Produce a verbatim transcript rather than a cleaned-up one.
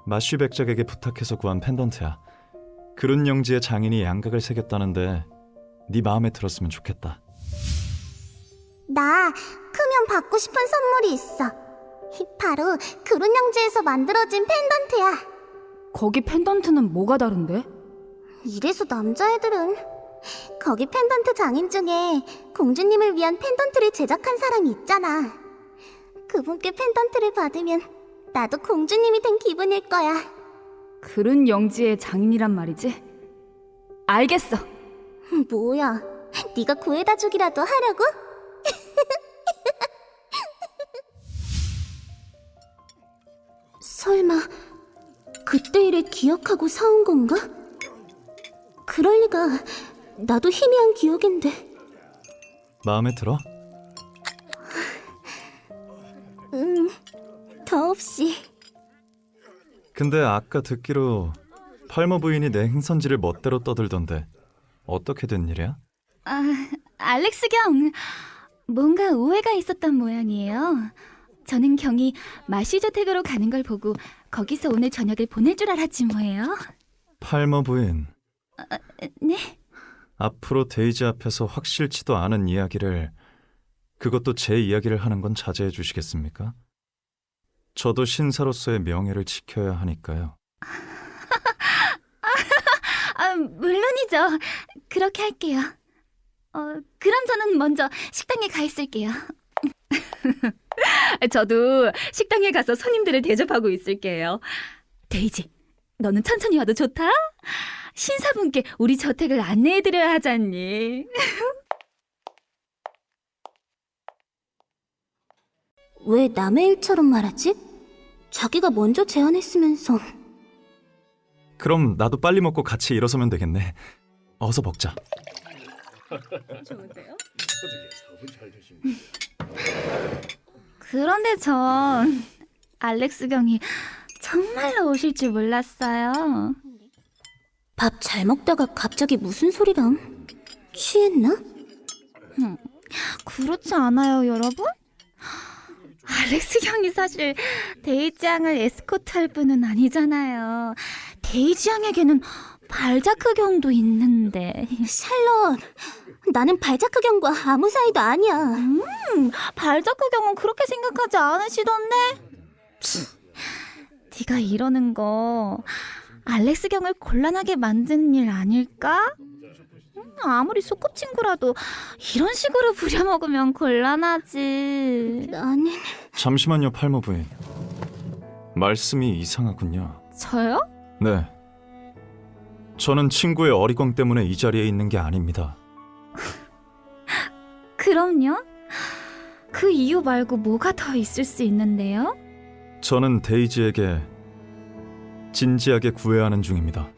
마슈 백작에게 부탁해서 구한 펜던트야. 그룬 영지의 장인이 양각을 새겼다는데 네 마음에 들었으면 좋겠다. 나 크면 받고 싶은 선물이 있어. 바로 그룬 영지에서 만들어진 펜던트야. 거기 펜던트는 뭐가 다른데? 이래서 남자애들은 거기 펜던트 장인 중에 공주님을 위한 펜던트를 제작한 사람이 있잖아. 그분께 펜던트를 받으면 나도 공주님이 된 기분일 거야. 그룬 영지의 장인이란 말이지? 알겠어. 뭐야, 네가 구해다 주기라도 하려고? 설마 그때 일을 기억하고 사온 건가? 그럴 리가. 나도 희미한 기억인데. 마음에 들어? 응, 더없이. 근데 아까 듣기로 팔머 부인이 내 행선지를 멋대로 떠들던데 어떻게 된 일이야? 아, 알렉스 경. 뭔가 오해가 있었던 모양이에요. 저는 경이 마시저택으로 가는 걸 보고 거기서 오늘 저녁을 보낼 줄 알았지 뭐예요. 팔머 부인, 네? 앞으로 데이지 앞에서 확실치도 않은 이야기를, 그것도 제 이야기를 하는 건 자제해 주시겠습니까? 저도 신사로서의 명예를 지켜야 하니까요. 아, 물론이죠. 그렇게 할게요. 어, 그럼 저는 먼저 식당에 가 있을게요. 저도 식당에 가서 손님들을 대접하고 있을게요. 데이지, 너는 천천히 와도 좋다? 신사분께 우리 저택을 안내해드려야 하지 않니? 왜 남의 일처럼 말하지? 자기가 먼저 제안했으면서. 그럼 나도 빨리 먹고 같이 일어서면 되겠네. 어서 먹자. 좋은데요? 그런데 전 알렉스 경이 정말로 오실 줄 몰랐어요. 밥 잘 먹다가 갑자기 무슨 소리람? 취했나? 그렇지 않아요, 여러분? 알렉스 경이 사실 데이지 양을 에스코트할 분은 아니잖아요. 데이지 양에게는 발자크 경도 있는데. 샬롯, 나는 발자크 경과 아무 사이도 아니야. 음, 발자크 경은 그렇게 생각하지 않으시던데? 네가 이러는 거 알렉스 경을 곤란하게 만드는 일 아닐까? 음, 아무리 소꿉친구라도 이런 식으로 부려먹으면 곤란하지. 나는... 잠시만요, 팔머 부인. 말씀이 이상하군요. 저요? 네. 저는 친구의 어리광 때문에 이 자리에 있는 게 아닙니다. 그럼요. 그 이유 말고 뭐가 더 있을 수 있는데요? 저는 데이지에게 진지하게 구애하는 중입니다.